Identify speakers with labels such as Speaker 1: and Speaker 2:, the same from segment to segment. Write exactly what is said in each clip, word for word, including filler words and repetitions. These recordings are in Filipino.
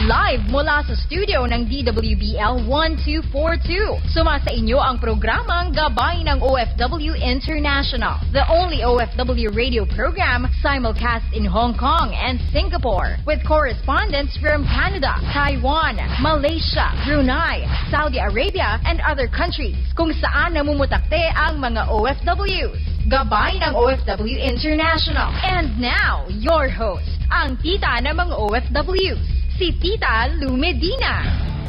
Speaker 1: Live mula sa studio ng D W B L one two four two. Suma sa inyo ang programang Gabay ng O F W International, the only O F W radio program simulcast in Hong Kong and Singapore, with correspondents from Canada, Taiwan, Malaysia, Brunei, Saudi Arabia, and other countries kung saan namumutakte ang mga O F Ws. Gabay ng O F W International. And now, your host, ang tita ng mga O F Ws, si Tita Lou Medina.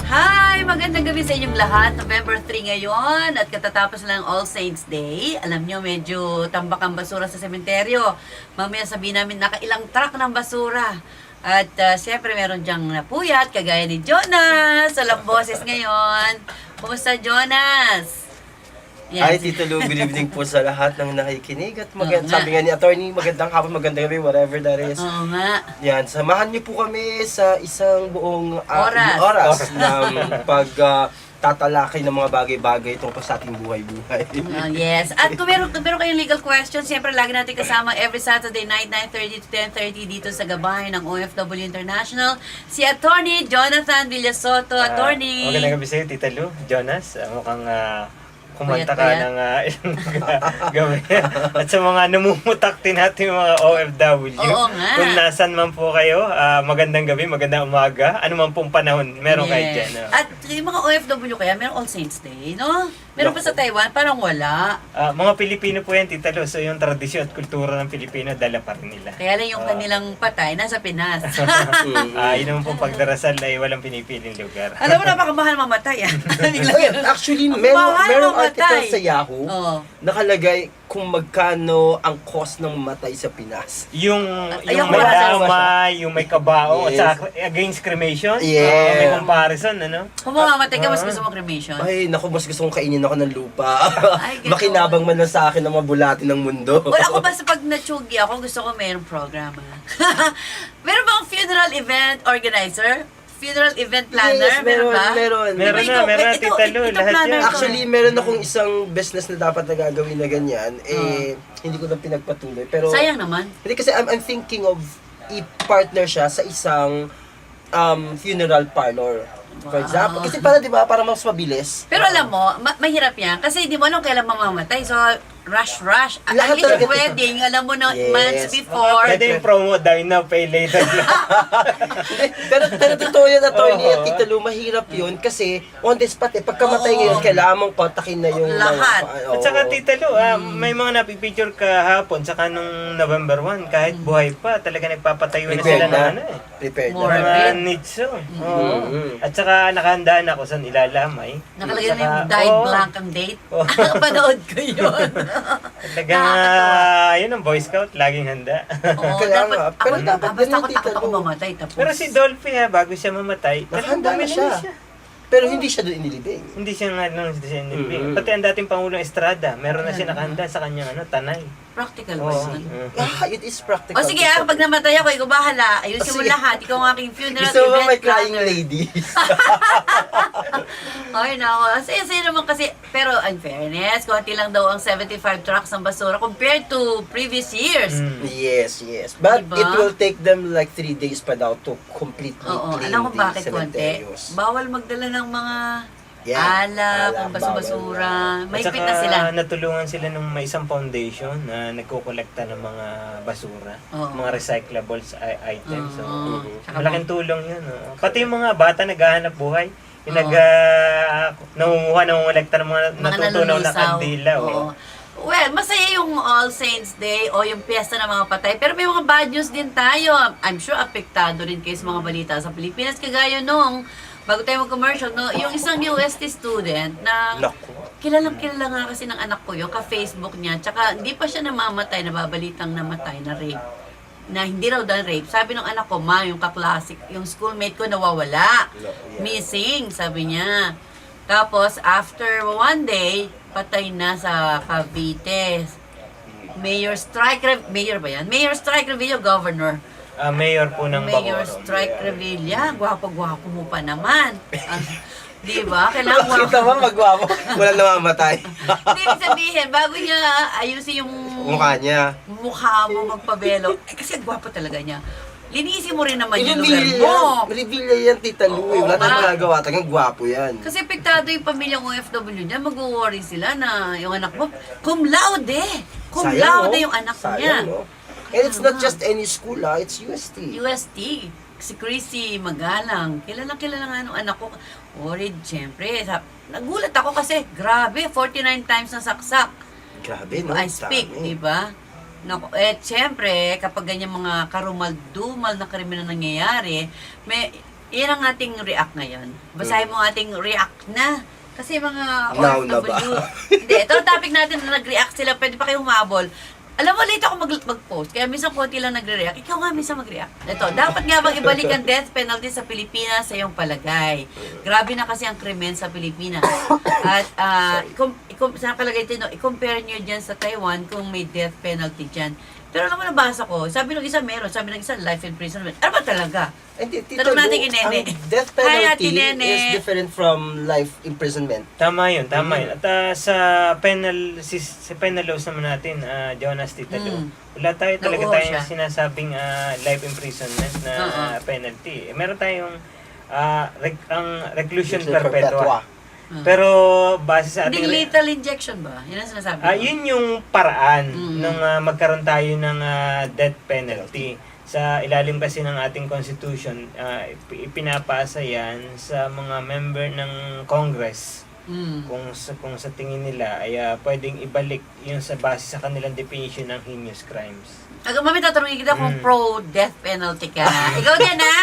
Speaker 2: Hi! Magandang gabi sa inyong lahat. November three ngayon at katatapos lang All Saints Day. Alam nyo, medyo tambak ang basura sa sementeryo. Mamaya sabihin namin nakailang truck ng basura. At uh, siyempre meron dyang napuyat, kagaya ni Jonas. Walang boses ngayon. Kumusta, Jonas? Yan.
Speaker 3: Hi, Tito Lou. Good evening po sa lahat ng nakikinig. At magand-
Speaker 2: Oo nga.
Speaker 3: sabi nga ni attorney, magandang hapon, magandang gabi, whatever that is.
Speaker 2: Oo nga.
Speaker 3: Yan, samahan niyo po kami sa isang buong ah,
Speaker 2: Oras.
Speaker 3: oras ng pag ah, tatalakay ng mga bagay-bagay tungkol sa ating buhay-buhay.
Speaker 2: Uh, yes. At kung meron, kung meron kayong legal questions, siyempre lagi natin kasama every Saturday night, nine thirty to ten thirty dito sa Gabay ng O F W International, si Attorney Jonathan Villasoto. Attorney!
Speaker 4: Uh, magandang gabi sa'yo, Tita Lou. Jonas, uh, mukhang uh, kumanta ka
Speaker 2: Puyat-puyat.
Speaker 4: ng uh, ilang gabi. At sa mga namumutakti natin mga O F W,
Speaker 2: Oo nga.
Speaker 4: kung nasan man po kayo, uh, magandang gabi, magandang umaga, ano man pong panahon, meron kayo
Speaker 2: Yes.
Speaker 4: dyan. No?
Speaker 2: At yung mga O F W kaya, meron All Saints Day, no? Meron pa sa Taiwan, parang wala.
Speaker 4: Uh, mga Pilipino po yan, Tita Lou, so yung tradisyon at kultura ng Pilipino, dala pa rin nila.
Speaker 2: Kaya lang yung kanilang patay, nasa Pinas.
Speaker 4: Ah, yun naman pong pagdarasal ay walang pinipiling lugar.
Speaker 2: Alam mo, napakamahal mamatay. ah.
Speaker 3: Oy, actually, meron,
Speaker 2: Mahal
Speaker 3: merong
Speaker 2: mamatay.
Speaker 3: article sa Yahoo,
Speaker 2: Oo.
Speaker 3: nakalagay kung magkano ang cost ng matay sa Pinas.
Speaker 4: Yung,
Speaker 2: Ay,
Speaker 4: yung
Speaker 2: ako
Speaker 4: may
Speaker 2: wala.
Speaker 4: damay, yung may kabao,
Speaker 3: Yes.
Speaker 4: at saka against cremation,
Speaker 3: Yeah.
Speaker 4: ah, may comparison, ano?
Speaker 2: Kung mamamatay ka, mas gusto mo cremation.
Speaker 3: Ay, naku, mas gusto kong kainin ako ng lupa.
Speaker 2: Ay, ganun.
Speaker 3: Makinabang man lang sa akin ng mga bulati ng mundo.
Speaker 2: Well, ako basta pag natsugi ako, gusto ko mayroong programa. Meron bang funeral event organizer? Funeral event planner?
Speaker 3: Yes, meron,
Speaker 2: ba?
Speaker 3: meron.
Speaker 4: Meron
Speaker 2: Di ba
Speaker 4: na,
Speaker 2: ikaw-
Speaker 4: meron na,
Speaker 2: ito-
Speaker 4: Tita Lou,
Speaker 2: ito
Speaker 4: lahat
Speaker 2: planner
Speaker 4: yan.
Speaker 2: ko.
Speaker 3: Actually, meron akong isang business na dapat na gagawin na ganyan. Eh, hindi ko na pinagpatuloy. Pero,
Speaker 2: Sayang naman.
Speaker 3: hindi kasi I'm, I'm thinking of i-partner siya sa isang um, funeral parlor. For
Speaker 2: Wow.
Speaker 3: example. Kasi para, di ba, para mas mabilis.
Speaker 2: Pero alam mo, ma- mahirap yan. Kasi di mo alam kailan mamamatay. So, rush, rush. At
Speaker 3: Lahat
Speaker 2: least
Speaker 3: talaga-
Speaker 2: wedding, alam mo na
Speaker 3: Yes.
Speaker 2: months before.
Speaker 4: Pwede yung promo, die now, pay later.
Speaker 3: pero, pero totoo yan, attorney,
Speaker 4: Oo.
Speaker 3: at Tita Lou, mahirap yun kasi on the spot, eh, pagkamatay
Speaker 2: Oo.
Speaker 3: ngayon, kailangan mong kontakin na yung
Speaker 2: Lahat.
Speaker 3: mga-
Speaker 4: At saka
Speaker 3: oo.
Speaker 4: Tita Lou, ah, may mga napipicture kahapon, saka nung November one, kahit buhay pa, talaga nagpapatayo na
Speaker 3: Prepared
Speaker 4: sila
Speaker 3: na.
Speaker 4: ng ano eh.
Speaker 3: Prepared
Speaker 2: More.
Speaker 3: na.
Speaker 4: Mga
Speaker 2: Morbid.
Speaker 4: nitso. Oo.
Speaker 3: Mhm.
Speaker 4: At saka nakahandaan ako saan ilalamay.
Speaker 2: Nakalagay na
Speaker 4: Saka-
Speaker 2: yung died
Speaker 4: oo.
Speaker 2: blank ang date.
Speaker 4: Oo.
Speaker 2: Panood ko yun.
Speaker 4: Talagang,
Speaker 2: Nakakatawa.
Speaker 4: ah, yun ang Boy Scout, laging handa.
Speaker 2: Oo,
Speaker 3: Kaya
Speaker 2: dapat,
Speaker 3: nga.
Speaker 2: ako,
Speaker 3: Pero dapat
Speaker 2: basta
Speaker 3: ganun,
Speaker 2: ako
Speaker 3: Tita
Speaker 2: takot ako
Speaker 3: Lou.
Speaker 2: mamatay. Tapos,
Speaker 4: Pero si Dolphy ha, bago siya mamatay,
Speaker 3: Nakahanda na
Speaker 4: bumili
Speaker 3: siya. Pero hindi siya doon inilibing.
Speaker 4: Hindi siya nga nung siya nilibing.
Speaker 3: Mhm.
Speaker 4: Pati ang dating Pangulong Estrada, meron na siya nakahanda sa kanyang ano, tanay.
Speaker 2: practical ba
Speaker 4: Oo.
Speaker 2: yun?
Speaker 4: Mhm.
Speaker 3: Ah, it is practical.
Speaker 2: O sige, ah, pag namatay ako, ikaw bahala. Ayusin mo
Speaker 3: Sige.
Speaker 2: lahat. Ikaw ang aking funeral
Speaker 3: Gusto mo ba
Speaker 2: event
Speaker 3: may crying
Speaker 2: planner.
Speaker 3: ladies?
Speaker 2: Ay, nako. Saya-saya naman kasi. Pero, in fairness, konti lang daw ang seventy-five trucks ng basura compared to previous years.
Speaker 4: Mm.
Speaker 3: Yes, yes. But
Speaker 2: Diba?
Speaker 3: it will take them like three days pa daw to completely
Speaker 2: Oo,
Speaker 3: clean
Speaker 2: alam mo
Speaker 3: the
Speaker 2: bakit konti?
Speaker 3: cementerios.
Speaker 2: Bawal magdala ng mga
Speaker 3: Yeah,
Speaker 2: alap,
Speaker 3: alap,
Speaker 2: ang basura-basura.
Speaker 4: At
Speaker 2: May
Speaker 4: saka
Speaker 2: na sila.
Speaker 4: natulungan sila ng may isang foundation na nagkukolekta ng mga basura,
Speaker 2: Oo.
Speaker 4: mga recyclables i- items. So,
Speaker 2: Oo.
Speaker 4: mhm.
Speaker 2: Saka
Speaker 4: malaking tulong yun. oh. Pati yung mga bata naghahanap buhay, yung
Speaker 2: Oo.
Speaker 4: nag, uh, nangunguha, nangungulekta ng mga,
Speaker 2: mga
Speaker 4: natutunaw na
Speaker 2: nalulisaw.
Speaker 4: kandila. oh.
Speaker 2: Oo. Well, masaya yung All Saints Day o yung piyesta ng mga patay. Pero may mga bad news din tayo. I'm sure apektado rin kayo sa mga balita sa Pilipinas. Kagaya nung, bago tayo mag-commercial, no, yung isang U S T student na
Speaker 3: Naku.
Speaker 2: kilalang kilala nga kasi ng anak ko yun, ka-Facebook niya. Tsaka hindi pa siya namamatay, nababalitang namatay na rape. Na hindi raw dahil rape. Sabi ng anak ko, ma, yung kaklasik, yung schoolmate ko nawawala.
Speaker 3: No, yeah.
Speaker 2: Missing, sabi niya. Tapos, after one day, patay na sa Cavite. Mayor Strike, Rev- Mayor ba yan? Mayor Strike Revilla, Governor.
Speaker 4: Ah, mayor po ng
Speaker 2: Mayor
Speaker 4: Bacoor.
Speaker 2: Strike Revilla, gwapo-gwapo mo pa naman. Ah, di ba? Kailangan
Speaker 3: Bakit naman magwapo? Walang namamatay.
Speaker 2: Hindi, ibig sabihin, bago niya ayusin yung
Speaker 3: Mukha niya.
Speaker 2: mukha mo magpabelo, eh, kasi gwapo talaga niya. linisin mo rin naman yung lugar
Speaker 3: I-reveal
Speaker 2: mo.
Speaker 3: yan. Reveal niya yan, Tita Lu.
Speaker 2: Oo,
Speaker 3: Wala tayong
Speaker 2: ma.
Speaker 3: magagawa. Tagang gwapo yan.
Speaker 2: Kasi apektado yung pamilyang O F W niya, mag-worry sila na yung anak mo, cum laude. Cum
Speaker 3: Sayang,
Speaker 2: laude
Speaker 3: no?
Speaker 2: yung anak
Speaker 3: Sayang,
Speaker 2: niya.
Speaker 3: no? And it's not just any school, ah. It's U S T.
Speaker 2: U S T. Si Chrissy Magalang. Kilalang kilala nga nung anak ko. Worried, syempre. Sa- Nagulat ako kasi, grabe, forty-nine times na saksak.
Speaker 3: Grabe, no?
Speaker 2: I speak,
Speaker 3: Dami.
Speaker 2: di ba? Naku, eh, syempre, kapag ganyan mga karumal-dumal na krimen na nangyayari, may, yan ang ating react ngayon. Basahin mo ang ating react na. Kasi mga
Speaker 3: Now na ba?
Speaker 2: Hindi, ito ang topic natin na nag-react sila. Pwede pa kayong humabol. Alam mo, late ako mag- mag-post. Kaya minsan konti lang nagre-react. Ikaw nga minsan mag-react. Ito, dapat nga bang ibalik ang death penalty sa Pilipinas sa iyong palagay? Grabe na kasi ang krimen sa Pilipinas. At, uh, ikum, ikum, sa nakalagay dito, i-compare nyo dyan sa Taiwan kung may death penalty dyan. Pero alam mo, nabasa ko, sabi ng isa meron, sabi ng isa life imprisonment. Ano ba talaga?
Speaker 3: Hindi, Tita
Speaker 2: Tanong
Speaker 3: Lu,
Speaker 2: natin kay Nene.
Speaker 3: ang death
Speaker 2: Hi, Ate
Speaker 3: penalty
Speaker 2: Nene.
Speaker 3: is different from life imprisonment.
Speaker 4: Tama yun, tama
Speaker 3: Mm.
Speaker 4: yun. At ah, sa penal si, sa penal laws naman natin, ah, Jonas Tita Lu,
Speaker 2: Mm.
Speaker 4: wala tayo talaga
Speaker 2: Nauuho
Speaker 4: tayong
Speaker 2: siya.
Speaker 4: sinasabing ah, life imprisonment na
Speaker 2: Oo.
Speaker 4: penalty. Eh, meron tayong ah, rec- ang reclusion
Speaker 3: Reclusion
Speaker 4: perpetua.
Speaker 2: Ah.
Speaker 4: Pero base sa
Speaker 2: Hindi
Speaker 4: ating
Speaker 2: lethal injection ba? Yun ang sinasabi ko.
Speaker 4: Ah, yun yung paraan
Speaker 2: Mm.
Speaker 4: nung ah, magkaroon tayo ng ah, death penalty. Sa ilalim kasi ng ating constitution, ah, ip- ipinapasa yan sa mga member ng Congress.
Speaker 2: Mm.
Speaker 4: Kung sa, kung sa tingin nila ay ah, pwedeng ibalik yung sa base sa kanilang definition ng heinous crimes.
Speaker 2: Aga, mami, tatanungin kita kung
Speaker 4: Mm.
Speaker 2: pro-death penalty ka. Ikaw din, ha?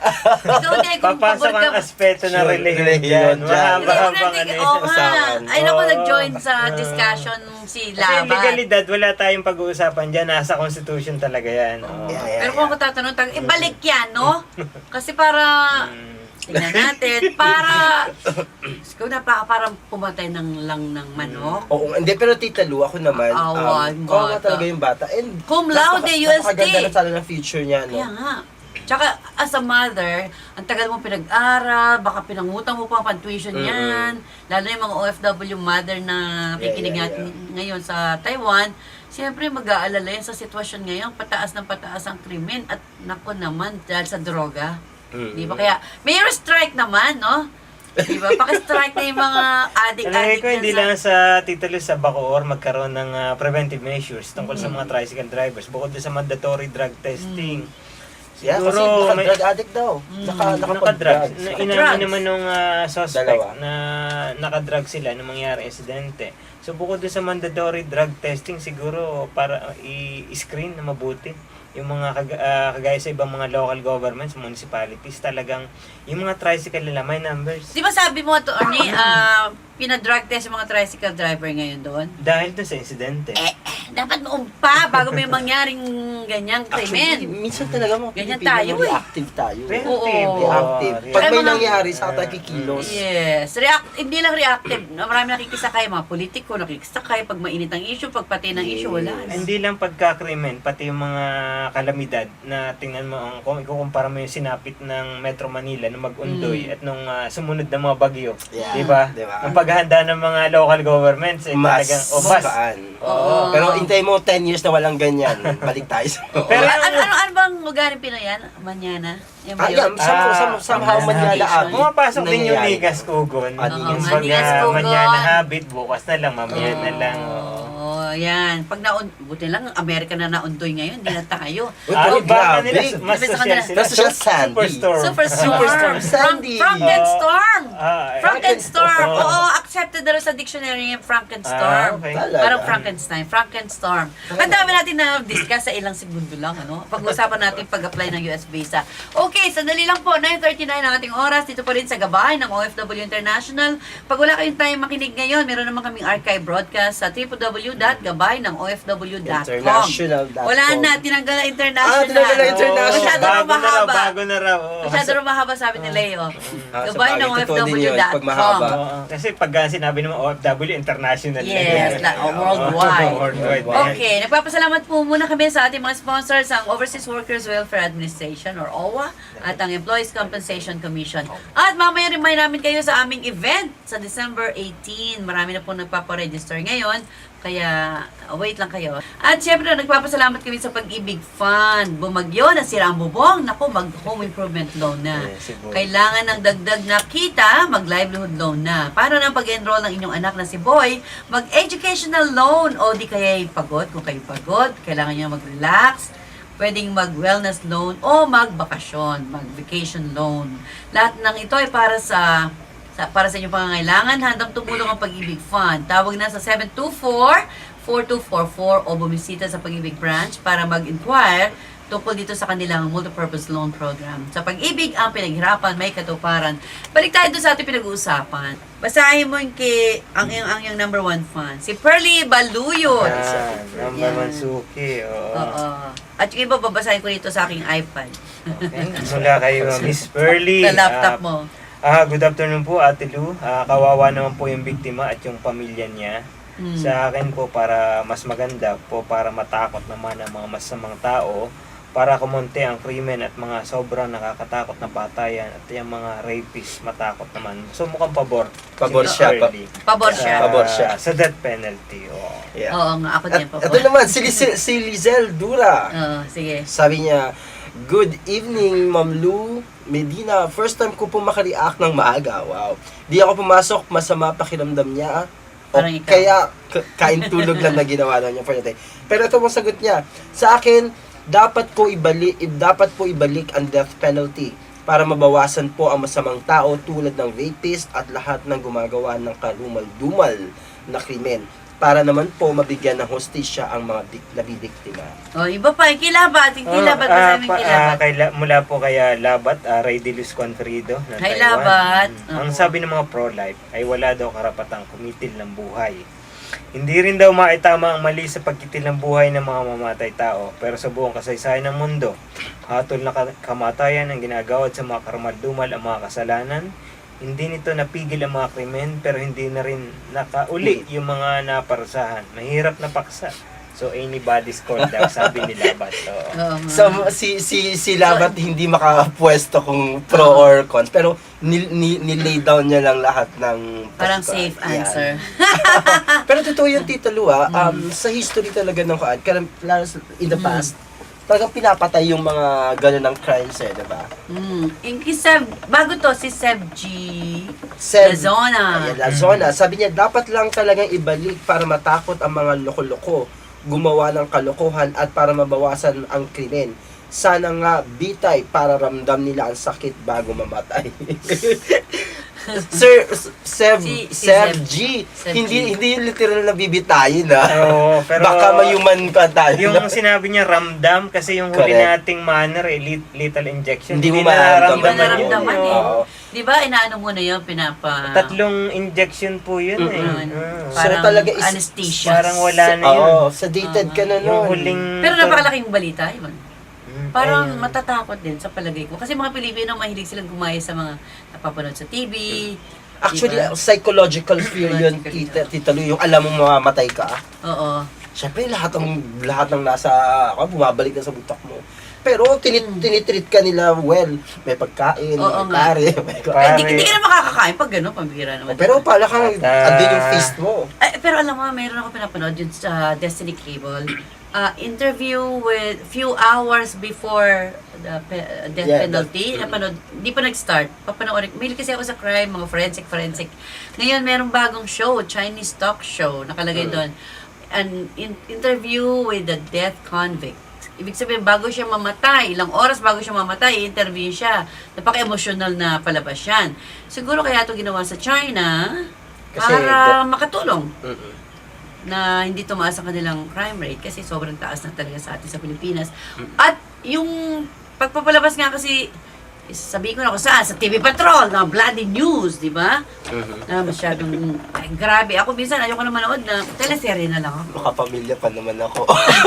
Speaker 2: Ikaw din, kung
Speaker 4: Papasok
Speaker 2: pabor
Speaker 4: ang
Speaker 2: ka.
Speaker 4: aspeto ng
Speaker 3: Sure,
Speaker 4: religion
Speaker 3: religion
Speaker 4: dyan.
Speaker 3: dyan.
Speaker 4: Mahaba-habang
Speaker 2: Hindi,
Speaker 4: ano
Speaker 2: oo
Speaker 4: yun.
Speaker 2: nga.
Speaker 3: usapan.
Speaker 2: Ay, naku,
Speaker 4: Oo.
Speaker 2: nag-join sa
Speaker 4: Ah.
Speaker 2: discussion si
Speaker 4: Kasi yung
Speaker 2: Laban.
Speaker 4: legalidad, wala tayong pag-uusapan dyan. Nasa constitution talaga yan. Oo.
Speaker 3: Yeah, yeah,
Speaker 2: Pero kung ako tatanong, tag- ibalik yan, no? Kasi para,
Speaker 4: Mm.
Speaker 2: tingnan natin, para, ikaw na pa, parang pumatay ng lang ng manok.
Speaker 3: Oo, hindi, pero Tita Lu, ako naman,
Speaker 2: Awa,
Speaker 3: um,
Speaker 2: yung
Speaker 3: oo nga
Speaker 2: bata.
Speaker 3: talaga yung bata. And
Speaker 2: Cum laude, U S T.
Speaker 3: Napakaganda na sana ng future niya, no?
Speaker 2: Kaya nga. Tsaka, as a mother, ang tagal mo pinag-aral, baka pinangutang mo pa ang tuition
Speaker 3: Mm-mm.
Speaker 2: yan. Lalo yung mga O F W mother na nakikinig
Speaker 3: Yeah, yeah,
Speaker 2: natin ngayon sa Taiwan, siyempre mag-aalala yan sa sitwasyon ngayon, pataas ng pataas ang krimen at nako naman dahil sa droga.
Speaker 3: Mm-mm.
Speaker 2: Di ba? Kaya, mayor strike naman, no? Di ba? Paki-strike na yung mga
Speaker 4: Palagay
Speaker 2: addict-addict
Speaker 4: ko hindi
Speaker 2: dyan
Speaker 4: lang
Speaker 2: sa...
Speaker 4: sa titulo sa Bacoor magkaroon ng ah, preventive measures tungkol sa
Speaker 2: Mm.
Speaker 4: mga tricycle drivers bukod doon sa mandatory drug testing.
Speaker 3: Yeah, kasi
Speaker 4: Siguro may
Speaker 3: naka-drug addict daw. Naka,
Speaker 2: Mm.
Speaker 3: naka
Speaker 4: nakadrugs. Na,
Speaker 2: Naka-drugs.
Speaker 4: inamin naman nung ah, suspect
Speaker 3: Dalawa.
Speaker 4: na nakadrug sila nung mangyari insidente. So bukod doon sa mandatory drug testing siguro para ah, i-screen na mabuti yung mga kag- ah, kagaya sa ibang mga local governments, municipalities, talagang yung mga tricycle nila may numbers.
Speaker 2: Di ba sabi mo, to, Arnie, ah, pinadrug test yung mga tricycle driver ngayon doon?
Speaker 4: Dahil doon sa insidente.
Speaker 2: Eh, dapat noon pa, bago may mangyaring ganyang
Speaker 3: Actually,
Speaker 2: krimen.
Speaker 3: minsan talaga mga
Speaker 2: Ganyan
Speaker 3: Pilipino,
Speaker 2: tayo, eh.
Speaker 3: reactive tayo.
Speaker 4: Reactive.
Speaker 2: Oo.
Speaker 3: Reactive.
Speaker 4: Oo,
Speaker 3: Pag
Speaker 2: Kaya
Speaker 3: may
Speaker 2: mga-
Speaker 3: nangyari, saka tayo kikilos.
Speaker 2: Yes. React, hindi lang reactive. Marami nakikisakay, mga politiko nakikisakay. Pag mainit ang issue, pag pati ng issue, wala. na.
Speaker 4: Hindi lang pagkakrimen, pati yung mga kalamidad na tingnan mo, ang, kung ikukumpara mo yung sinapit ng Metro Manila nung mag-undoy
Speaker 2: Mm.
Speaker 4: at nung ah, sumunod na mga bagyo.
Speaker 3: Yeah.
Speaker 4: Di ba?
Speaker 3: Di ba?
Speaker 4: Ang paghahanda ng mga local governments, eh,
Speaker 3: Mas
Speaker 4: talagang, o mas.
Speaker 3: magaan.
Speaker 2: Oo.
Speaker 3: Pero intay mo ten years na walang ganyan. Balik tayo sa...
Speaker 4: Pero
Speaker 2: ano,
Speaker 4: yung-
Speaker 2: ano, ano bang lugar yung Pinoy yan? Manyana? Yan ba
Speaker 3: Ah,
Speaker 2: yun?
Speaker 3: yeah, somehow,
Speaker 4: Ah,
Speaker 3: somehow, somehow
Speaker 2: ah,
Speaker 3: Manyala
Speaker 2: ah,
Speaker 3: Abbey.
Speaker 4: Pumapasok din yung
Speaker 3: nangyayari.
Speaker 4: Ligas Kugon.
Speaker 3: Ah,
Speaker 2: Oo,
Speaker 3: Ligas
Speaker 4: Pag
Speaker 2: Ligas
Speaker 4: uh,
Speaker 2: Kugon.
Speaker 4: manyana habit, bukas na lang, mamaya na lang. oo.
Speaker 2: Oo, yan. Pag naun, buti lang, Amerika na naundoy ngayon, hindi na tayo.
Speaker 3: Uy,
Speaker 4: Ah,
Speaker 3: pero
Speaker 4: baka
Speaker 3: grabe.
Speaker 4: nila, mas
Speaker 2: Sabi sa
Speaker 4: social
Speaker 2: kanila,
Speaker 4: sila.
Speaker 3: mas social
Speaker 4: Su-
Speaker 3: Sandy.
Speaker 4: Superstorm.
Speaker 2: Superstorm.
Speaker 3: Superstorm,
Speaker 2: Frank,
Speaker 3: Sandy.
Speaker 2: Frankenstorm.
Speaker 4: Ah, eh.
Speaker 2: Frankenstorm.
Speaker 4: Oo.
Speaker 2: Oo, accepted na rin sa dictionary yung Frankenstorm.
Speaker 4: Ah, okay.
Speaker 3: Talaga?
Speaker 2: Parang Frankenstein, Frankenstorm. Ang dami natin na discuss sa ilang segundo lang, ano? Pag-usapan natin pag-apply ng U S visa. Okay, sandali lang po, nine thirty-nine ang ating oras. Dito pa rin sa gabay ng O F W International. Pag wala kayong time makinig ngayon, meron naman kaming archive broadcast sa w w w dot gabay ng o f w dot com.
Speaker 3: International dot com.
Speaker 2: Wala na, tinanggal na international.
Speaker 3: Ah, tinanggal na
Speaker 4: Oo,
Speaker 3: international.
Speaker 2: Masyado
Speaker 4: bago
Speaker 2: raw
Speaker 4: na raw,
Speaker 2: mahaba.
Speaker 4: bago na raw. oo.
Speaker 2: Masyado rin mahaba, sabi ni Leo.
Speaker 3: Ah,
Speaker 2: Gabay
Speaker 3: sa
Speaker 2: ng
Speaker 3: bagay, totoo din
Speaker 2: O F W
Speaker 3: yun,
Speaker 2: dot com.
Speaker 3: pag mahaba.
Speaker 4: Oo, kasi pag uh, sinabi ng mga O F W, international. na
Speaker 2: Yes,
Speaker 4: yan.
Speaker 2: la, oh, worldwide.
Speaker 4: Oo, worldwide.
Speaker 2: Okay, nagpapasalamat po muna kami sa ating mga sponsors, ang Overseas Workers Welfare Administration or O W A at ang Employees Compensation Commission. At mamaya remind namin kayo sa aming event sa December eighteen. Marami na po nagpaparegister ngayon Kaya, wait lang kayo. At syempre, nagpapasalamat kami sa Pag-ibig Fund. Bumagyo, nasira ang bubong. Naku, mag-home improvement loan na.
Speaker 4: Yes, si Boy.
Speaker 2: Kailangan ng dagdag na kita, mag-livelihood loan na. Paano na pag-enroll ng inyong anak na si Boy? Mag-educational loan. O di kaya pagod. Kung kayo pagod, kailangan nyo mag-relax. Pwedeng mag-wellness loan o mag-bakasyon, mag-vacation loan. Lahat ng ito ay para sa Sa, para sa inyong pangangailangan, handang tumulong ang Pag-ibig Fund. Tawag na sa seven two four, four two four four o bumisita sa Pag-ibig Branch para mag-inquire tungkol dito sa kanilang multipurpose loan program. Sa Pag-ibig, ang pinaghirapan, may katuparan. Balik tayo doon sa ating pinag-uusapan. Basahin mo yung kay, ang, ang, ang yung number one fan. Si Pearly Baluyot.
Speaker 4: Yan, number
Speaker 2: Yan.
Speaker 4: one suki. Oo.
Speaker 2: Oo. At yung iba, babasahin ko dito sa aking iPad.
Speaker 4: Okay. Mula kay uh, Miss Pearly.
Speaker 2: Sa laptop
Speaker 4: Ah,
Speaker 2: mo.
Speaker 4: Ah, good afternoon po, Ate Lu. Ah, kawawa naman po yung biktima at yung pamilya niya.
Speaker 2: Hmm.
Speaker 4: Sa akin po, para mas maganda po, para matakot naman ang mga masamang tao, para kumonte ang krimen at mga sobrang nakakatakot na patayan at yung mga rapist matakot naman. So mukhang pabor.
Speaker 3: Pabor
Speaker 4: si Miss
Speaker 3: siya,
Speaker 4: Pearly
Speaker 2: Pabor
Speaker 4: sa,
Speaker 2: siya.
Speaker 3: Pabor siya.
Speaker 4: Sa death penalty. Oo.
Speaker 3: Yeah.
Speaker 2: Oo nga, ako
Speaker 3: At
Speaker 2: din po.
Speaker 3: ito naman, si, Liz- si Lizelle Dura.
Speaker 2: Oo, sige.
Speaker 3: Sabi niya, good evening, Ma'am Lou Medina. First time ko po makareact ng maaga. Wow. Di ako pumasok, masama pakiramdam niya. O
Speaker 2: Parang ikaw.
Speaker 3: kaya, k- kain tulog lang na ginawa lang niya for the day. Pero ito mong sagot niya. Sa akin, dapat ko ibalik, dapat po ibalik ang death penalty para mabawasan po ang masamang tao tulad ng rapist at lahat ng gumagawa ng karumal-dumal na krimen. Para naman po mabigyan ng hostisya ang mga dik- nabibiktima.
Speaker 2: O, iba pa, yung kilabat. Yung kilabat,
Speaker 4: Oh,
Speaker 2: basahin
Speaker 4: ah,
Speaker 2: mo yung
Speaker 4: pa-
Speaker 2: kilabat.
Speaker 4: ah, kay La- mula po kaya Labat, uh, Ray de Luz Confrido ng
Speaker 2: Hi,
Speaker 4: Taiwan.
Speaker 2: Labat.
Speaker 4: Mm.
Speaker 2: Oo.
Speaker 4: Ang sabi ng mga pro-life ay wala daw karapatang kumitil ng buhay. Hindi rin daw maitama ang mali sa pagkitil ng buhay ng mga mamatay tao, pero sa buong kasaysayan ng mundo, hatol na ka- kamatayan ang ginagawad sa mga karumal-dumal ang mga kasalanan. Hindi nito napigil ang mga krimen, pero hindi na rin nakauli yung mga naparusahan. Mahirap na paksa. So, anybody's call daw, sabi ni Labat. Oo.
Speaker 2: Oo nga.
Speaker 3: So, si si si Labat hindi makapwesto kung pro or cons, pero ni, ni, nilay down niya lang lahat ng
Speaker 2: Parang
Speaker 3: pagka-
Speaker 2: safe
Speaker 3: Yan.
Speaker 2: answer.
Speaker 3: Pero totoo yung Tita Lu, ah, um, sa history talaga ng Kuan, karam- lalo sa- in the past, talagang pinapatay yung mga gano'n ng crimes eh, diba?
Speaker 2: Mm. Yung kay Seb, bago to, si Seb G.
Speaker 3: Seb,
Speaker 2: Lazona.
Speaker 3: Ayan, Lazona. Sabi niya, dapat lang talagang ibalik para matakot ang mga loko-loko, gumawa ng kalokohan at para mabawasan ang krimen. Sana nga bitay para ramdam nila ang sakit bago mamatay. Sir, Seb,
Speaker 2: Si- si
Speaker 3: Seb
Speaker 2: Seb-
Speaker 3: G,
Speaker 2: Seb
Speaker 3: hindi
Speaker 2: G.
Speaker 3: hindi yung literal na bibitayin ah.
Speaker 4: Oo, pero
Speaker 3: Baka mayuman ka tayo.
Speaker 4: yung sinabi niya ramdam, kasi yung huli
Speaker 3: Correct.
Speaker 4: nating manner, eh, lit- lethal injection.
Speaker 3: Hindi mo
Speaker 2: Hindi
Speaker 3: mararamdaman
Speaker 2: ba
Speaker 3: yun,
Speaker 2: naramdaman
Speaker 3: eh.
Speaker 2: eh?
Speaker 3: Oo.
Speaker 2: Di ba, inaano mo na yun, pinapa...
Speaker 4: Tatlong injection po yun eh.
Speaker 2: Mm-mm.
Speaker 4: Oo.
Speaker 3: So,
Speaker 2: Parang
Speaker 3: talaga is-
Speaker 2: anesthesia.
Speaker 4: Parang wala na yun.
Speaker 3: Oo, sedated ka na
Speaker 4: Yung
Speaker 3: nun.
Speaker 4: huling...
Speaker 2: Pero napakalaking balita, yun.
Speaker 4: Mm,
Speaker 2: Parang
Speaker 4: ayun.
Speaker 2: matatakot din sa palagay ko. Kasi mga Pilipino, mahilig silang gumaya sa mga napapanood sa T V.
Speaker 3: Actually,
Speaker 2: Diba?
Speaker 3: psychological fear yun,
Speaker 2: Psychological
Speaker 3: tita, tita Lu, yung alam mo mamamatay ka.
Speaker 2: Oo.
Speaker 3: Siyempre, lahat ng lahat ng nasa, ako, bumabalik na sa butak mo. Pero tinit,
Speaker 2: Mm.
Speaker 3: tinitreat ka nila well. May pagkain,
Speaker 2: Oo
Speaker 3: may
Speaker 2: nga.
Speaker 3: pare, may
Speaker 2: Eh,
Speaker 4: Pare.
Speaker 2: di, di ka na makakakain pag gano'n, pambira naman.
Speaker 3: Pero pala kang,
Speaker 4: At, ah,
Speaker 3: andun yung feast mo.
Speaker 2: Eh, pero alam mo, mayroon ako pinapanood yun sa Destiny Cable. Uh, interview with few hours before the pe- uh, death
Speaker 3: Yeah,
Speaker 2: penalty.
Speaker 3: that-
Speaker 2: Napanood, di pa nag-start. Papanoorin. May kasi ako sa crime, mga forensic, forensic. Ngayon, merong bagong show, Chinese talk show, nakalagay
Speaker 3: Mm.
Speaker 2: doon. An in- interview with the death convict. Ibig sabihin, bago siya mamatay, ilang oras bago siya mamatay, i-interview siya. Napaka-emotional na palabas yan. Siguro kaya ito ginawa sa China
Speaker 3: Kasi
Speaker 2: para makatulong
Speaker 3: Mm-mm.
Speaker 2: na hindi tumaas ang kanilang crime rate kasi sobrang taas na talaga sa atin sa Pilipinas. At yung pagpapalabas nga kasi, sabi ko na kung saan, sa T V Patrol, na bloody news, di ba?
Speaker 3: Mhm.
Speaker 2: Na masyadong, ay, grabe. Ako minsan, ayoko na manood na teleserye na lang ako.
Speaker 3: Makapamilya pa naman ako.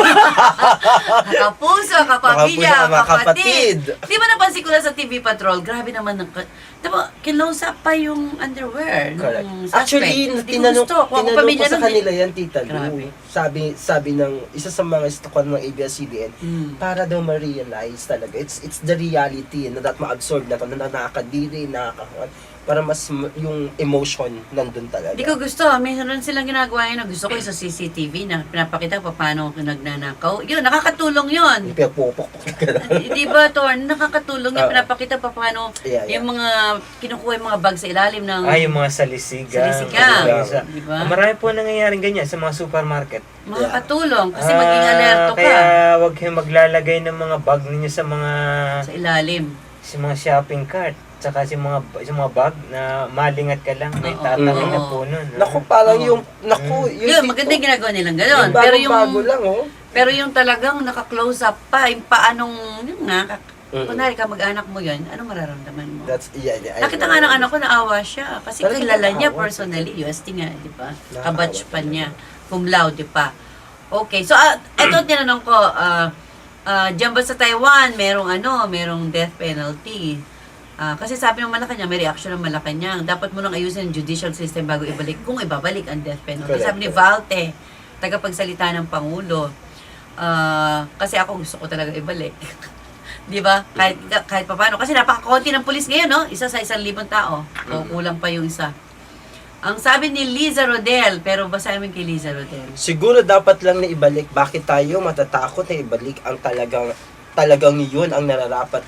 Speaker 2: Kapuso, kapamilya,
Speaker 3: Mga
Speaker 2: kapatid.
Speaker 3: kapatid.
Speaker 2: Di ba napansin ko na sa T V Patrol, grabe naman ng... Di ba, kinlose up pa yung underwear
Speaker 3: Correct.
Speaker 2: ng suspect.
Speaker 3: Actually,
Speaker 2: Hindi ko
Speaker 3: tinanong,
Speaker 2: gusto. Kung ako
Speaker 3: tinanong ko
Speaker 2: pamilya
Speaker 3: sa
Speaker 2: nun,
Speaker 3: kanila yan, Tita
Speaker 2: Grabe.
Speaker 3: Lu. Sabi, sabi ng, isa sa mga istakon ng A B S C B N,
Speaker 2: Mm.
Speaker 3: para daw ma-realize talaga. It's it's the reality na that ma-absorb na to, na nakakadiri, nakakakuan, para mas m- yung emotion nandun talaga.
Speaker 2: Hindi ko gusto. Mayroon silang ginagawa yun. Gusto ko yung sa C C T V na pinapakita pa paano nagnanakaw. Yun, nakakatulong yun.
Speaker 3: Yung pinapupok-pok ka lang.
Speaker 2: Di ba, Torn? Nakakatulong yun.
Speaker 3: Oo.
Speaker 2: Pinapakita pa paano
Speaker 3: Yeah, yeah.
Speaker 2: yung mga kinukuha yung mga bag sa ilalim ng...
Speaker 4: Ah, yung mga salisigang.
Speaker 2: Salisigang.
Speaker 4: Sa-
Speaker 2: Di ba?
Speaker 4: Marami po nangyayaring ganyan sa mga supermarket.
Speaker 2: Makakatulong. Kasi
Speaker 4: Ah,
Speaker 2: maging alerto ka
Speaker 4: Kaya wag kayong maglalagay ng mga bag ninyo sa mga
Speaker 2: sa ilalim.
Speaker 4: sa mga shopping cart. Tsaka sa mga sa mga bag na malingat ka lang, may
Speaker 2: Oo.
Speaker 4: tatangin na
Speaker 2: Oo.
Speaker 4: po nun. no?
Speaker 3: Naku, parang
Speaker 2: Oo.
Speaker 3: yung, naku, yung
Speaker 2: Yun,
Speaker 3: dito,
Speaker 2: maganda yung ginagawa nilang gano'n.
Speaker 3: yung
Speaker 2: Pero yung...
Speaker 3: bago-bago lang, oh.
Speaker 2: Pero yung talagang naka-close up pa, yung paanong, yun nga, kak-
Speaker 3: Mm-mm.
Speaker 2: kunwari ka mag-anak mo yun, anong mararamdaman mo?
Speaker 3: That's, yeah, yeah. I
Speaker 2: Nakita
Speaker 3: know.
Speaker 2: nga ng anak ko, naawa siya. Kasi
Speaker 3: Talagang
Speaker 2: kilala niya
Speaker 3: nakakaawa.
Speaker 2: personally, U S T nga, di ba?
Speaker 3: Nakakaawa
Speaker 2: Kabatch pa
Speaker 3: talaga.
Speaker 2: niya. Cum laude, di pa. Okay, so uh, eto tinanong ko, uh, uh, dyan ba sa Taiwan, merong ano, merong death penalty? Ah, kasi sabi ng Malacanang, may reaction ng Malacanang. Dapat mo nang ayusin ang judicial system bago ibalik, kung ibabalik ang death penalty.
Speaker 3: Correct,
Speaker 2: Sabi ni Valte, tagapagsalita ng Pangulo, ah, kasi ako gusto ko talaga ibalik. Di ba? Kahit, kahit pa paano. Kasi napakakonti ng pulis ngayon, no? Isa sa isang libong tao. O kulang pa yung isa. Ang sabi ni Liza Rodel, pero basahin mo kay Liza Rodel.
Speaker 3: Siguro dapat lang na ibalik. Bakit tayo matatakot na ibalik ang talagang, talagang yun ang nararapat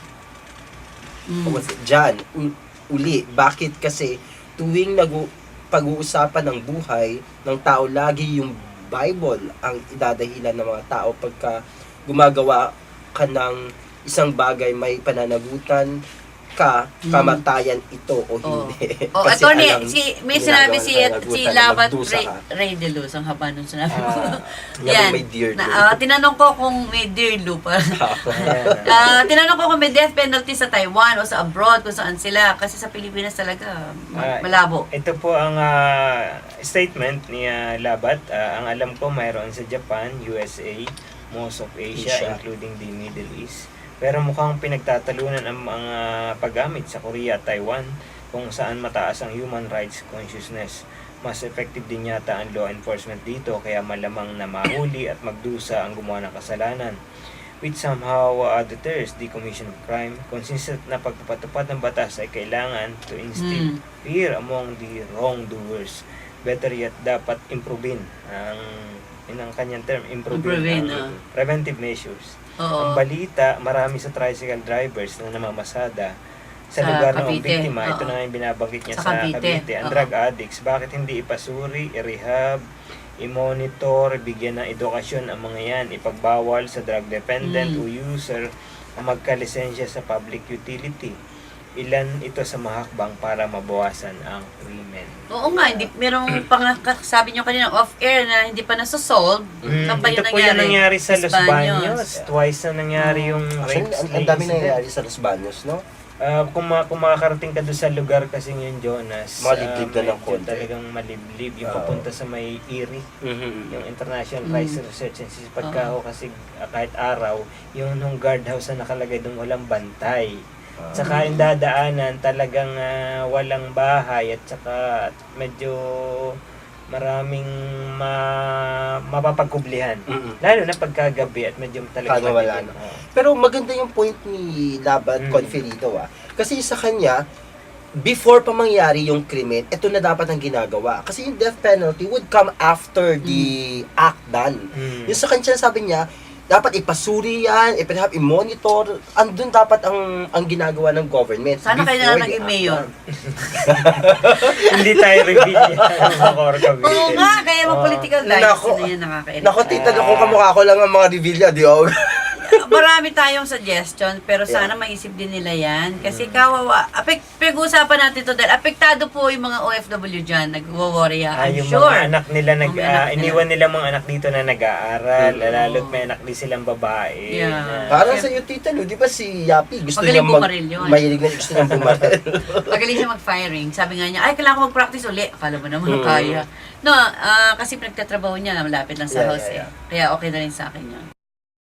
Speaker 2: Mm.
Speaker 3: was dyan, u- uli. Bakit? Kasi tuwing nag pag-uusapan ng buhay ng tao, lagi yung Bible ang idadahilan ng mga tao pagka gumagawa ka ng isang bagay, may pananagutan ka, kamatayan ito o
Speaker 2: Oh.
Speaker 3: hindi.
Speaker 2: Oh,
Speaker 3: Kasi
Speaker 2: attorney,
Speaker 3: alam,
Speaker 2: si, may
Speaker 3: ginagawa
Speaker 2: sinabi
Speaker 3: ng
Speaker 2: si,
Speaker 3: pananagutan
Speaker 2: si
Speaker 3: na
Speaker 2: Labat
Speaker 3: magdusa
Speaker 2: Ray,
Speaker 3: ka.
Speaker 2: Ray de Luz, ang haba nung sinabi mo.
Speaker 3: Ah,
Speaker 2: Yan.
Speaker 3: yan, may deer
Speaker 2: Na,
Speaker 3: doon.
Speaker 2: ah, tinanong ko kung may deer Lu pa.
Speaker 4: Ayan.
Speaker 2: Ah, tinanong ko kung may death penalty sa Taiwan o sa abroad, kung saan sila. Kasi sa Pilipinas talaga, ma-
Speaker 4: Ah,
Speaker 2: malabo.
Speaker 4: Ito po ang ah, statement ni ah, Labat. Ah, ang alam ko mayroon sa Japan, U S A, most of Asia,
Speaker 3: Asia.
Speaker 4: including the Middle East. Pero mukhang pinagtatalunan ang mga paggamit sa Korea at Taiwan kung saan mataas ang human rights consciousness. Mas effective din yata ang law enforcement dito kaya malamang na mahuli at magdusa ang gumawa ng kasalanan. Which somehow uh, deters the commission of crime. Consistent na pagpapatupad ng batas ay kailangan to instill
Speaker 2: Hmm.
Speaker 4: fear among the wrongdoers. Better yet, dapat improvein ang yun ang kanyang term,
Speaker 2: Improvein,
Speaker 4: improvein
Speaker 2: ah.
Speaker 4: ang preventive measures.
Speaker 2: Oo.
Speaker 4: Ang balita, marami sa tricycle drivers na namamasada sa,
Speaker 2: Sa
Speaker 4: lugar ng
Speaker 2: Cavite,
Speaker 4: biktima. Ito
Speaker 2: oo.
Speaker 4: na nga yung binabanggit niya
Speaker 2: Sa
Speaker 4: sa,
Speaker 2: Cavite,
Speaker 4: Cavite. Ang
Speaker 2: oo.
Speaker 4: drug addicts, bakit hindi ipasuri, i-rehab, i-monitor, bigyan ng edukasyon ang mga yan, ipagbawal sa drug dependent
Speaker 2: Mm.
Speaker 4: o user ang magkalisensya sa public utility. Ilan ito sa mahakbang para mabawasan ang krimen.
Speaker 2: Oo nga, hindi, merong pang, sabi nyo kanina off-air na hindi pa nasa-solve.
Speaker 4: Mm,
Speaker 2: Saan ba
Speaker 4: ito
Speaker 2: yun
Speaker 4: po yung nangyari sa Los Baños.
Speaker 2: Baños.
Speaker 4: Twice na nangyari yung
Speaker 3: Actually,
Speaker 4: rape
Speaker 3: ang, ang dami nangyayari sa Los Baños, no?
Speaker 4: Ah, kung, ma- kung makakarating ka doon sa lugar kasi yung Jonas,
Speaker 3: Maliblib
Speaker 4: ah,
Speaker 3: na ng
Speaker 4: medyo
Speaker 3: konti.
Speaker 4: talagang maliblib. Yung
Speaker 3: Oo.
Speaker 4: papunta sa may Erie, yung International
Speaker 2: Mm.
Speaker 4: Crisis Research and System. Pagka ho kasi ah, kahit araw, yung nung guardhouse na nakalagay doon walang bantay. Tsaka yung dadaanan talagang ah, walang bahay at saka medyo maraming ma mapapagkublihan.
Speaker 3: Mm-mm.
Speaker 4: Lalo na pagkagabi at medyo talagang
Speaker 3: Kano wala
Speaker 4: madilim.
Speaker 3: na.
Speaker 4: Oo.
Speaker 3: Pero maganda yung point ni Labat
Speaker 4: Mm.
Speaker 3: Conferito, ah. Kasi sa kanya, before pa mangyari yung krimen, ito na dapat ang ginagawa. Kasi yung death penalty would come after the act done.
Speaker 4: Mm.
Speaker 3: Yung sa kanya, sabi niya, dapat ipasuri yan, ipinahap, i-monitor. Andun dapat ang ang ginagawa ng government.
Speaker 2: Sana kayo
Speaker 3: before
Speaker 2: na
Speaker 3: the
Speaker 2: naging
Speaker 3: act
Speaker 2: mayor.
Speaker 3: done.
Speaker 4: Hindi tayo reveal yan, mga Corcavite.
Speaker 2: Oo nga, kaya mga
Speaker 4: Oo.
Speaker 2: political
Speaker 3: Nako.
Speaker 2: dynasty na yan nakaka-irita.
Speaker 3: Naku, tita, kung kamukha ko lang ang mga revilla, di ba?
Speaker 2: Marami tayong suggestion, pero sana maisip din nila yan. Kasi kawawa, apek, pag-uusapan natin to dahil apektado po yung mga O F W dyan, nag-worry
Speaker 4: Ah,
Speaker 2: I'm
Speaker 4: yung
Speaker 2: sure.
Speaker 4: mga anak nila, nag,
Speaker 2: Yung mga anak
Speaker 4: ah,
Speaker 2: nila.
Speaker 4: iniwan nila mga anak dito na nag-aaral,
Speaker 3: Mm.
Speaker 4: lalo't may anak din silang babae.
Speaker 2: Yeah.
Speaker 4: na-
Speaker 3: Parang sa iyo, tita, no? Di ba si Yapi, gusto
Speaker 2: Magaling
Speaker 3: niya mag...
Speaker 2: bumaril yun.
Speaker 3: Mahilig na gusto niya bumaril.
Speaker 2: Magaling siya mag-firing. Sabi nga niya, ay, kailangan ko mag-practice uli. Akala mo naman
Speaker 3: Mm.
Speaker 2: kaya. No, ah, kasi pinagtatrabaho niya, malapit lang sa
Speaker 3: Yeah,
Speaker 2: house
Speaker 3: yeah,
Speaker 2: eh. Kaya okay na rin sa akin yun.